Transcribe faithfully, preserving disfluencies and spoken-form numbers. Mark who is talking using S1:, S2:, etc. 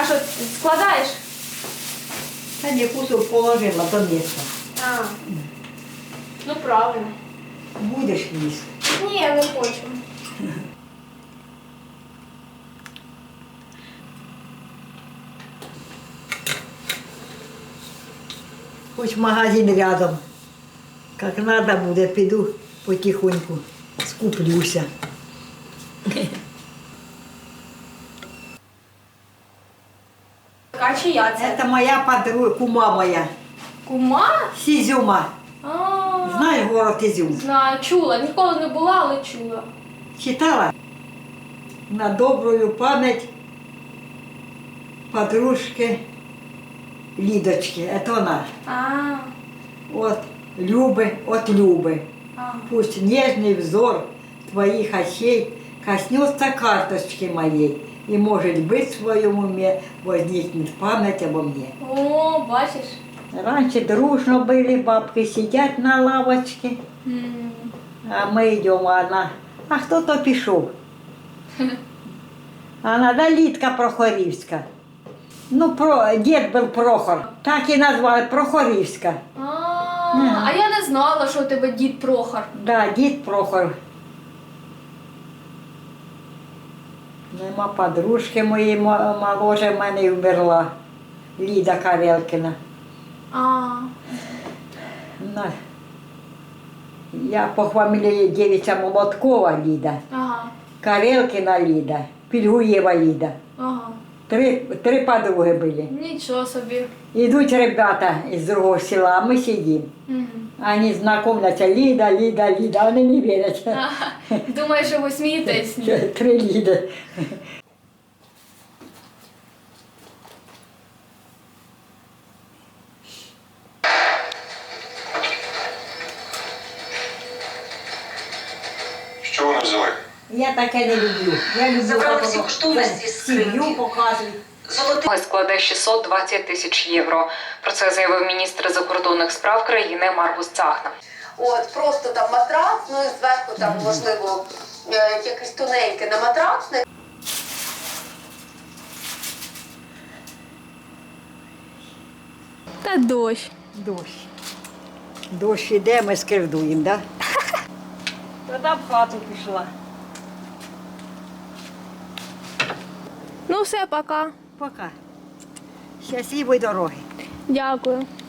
S1: що, складаєш?
S2: Та ні, кусок положила до місця.
S1: А, ну правильно.
S2: Будеш їсти.
S1: Ні, я не хочу.
S2: Хоч магазин рядом. Як треба буде, піду потихоньку, скуплюся.
S1: А чия це?
S2: Це моя подруга, кума моя,
S1: Кума?
S2: з Ізюма.
S1: А,
S2: Знаєш город Ізюм?
S1: знаю, чула. Ніколи не була, але чула.
S2: Читала? На добрую пам'ять подружки Лідочки. Це вона.
S1: А,
S2: От Люби, от Люби.
S1: а.
S2: Пусть нежный взор твоих очей коснется карточки моей, и, может быть, в своем уме возникнет память обо мне.
S1: О, бачиш?
S2: Раньше дружно были, бабки сидят на лавочке,
S1: М.
S2: а мы идем, а она, а кто-то пішов. Она, да, Лидка Прохорівська. Ну, про, дед был Прохор, так и назвали, Прохорівська.
S1: А, а я не знала, що у тебе дід Прохор.
S2: Да, дід Прохор. Нема подружки моєї мо- моложе в мене й вмерла. Ліда Карелкіна.
S1: А,
S2: На- Я по фамілії дівча Молоткова Ліда,
S1: ага,
S2: Карелкіна Ліда, Пільгуєва Ліда.
S1: ага.
S2: Три, три подруги були.
S1: Нічого собі.
S2: Идут ребята из другого села, а мы сидим.
S1: Мгм.
S2: Они знакомятся, Лида, Лида, Лида, они не верят.
S1: Ага. Думаєш, що ви смієтесь?
S2: Три Лиды.
S3: Що вони взяли?
S2: Я таке не люблю. Я люблю
S4: Забрали
S2: коли
S4: всі коштовності з скриньки.
S2: сім'ю показують.
S4: Золотий
S5: складе шістсот двадцять тисяч євро. Про це заявив міністр закордонних справ країни Маргус Цахна.
S6: От, просто там матрац, ну і зверху там, можливо, е, якесь тоненьке на матрацне.
S1: Та дощ.
S2: Дощ. Дощ іде, ми скривдуємо, так? Да? Тоді в хату пішла.
S1: Ну все, пока.
S2: Пока. Щасливої дороги.
S1: Дякую.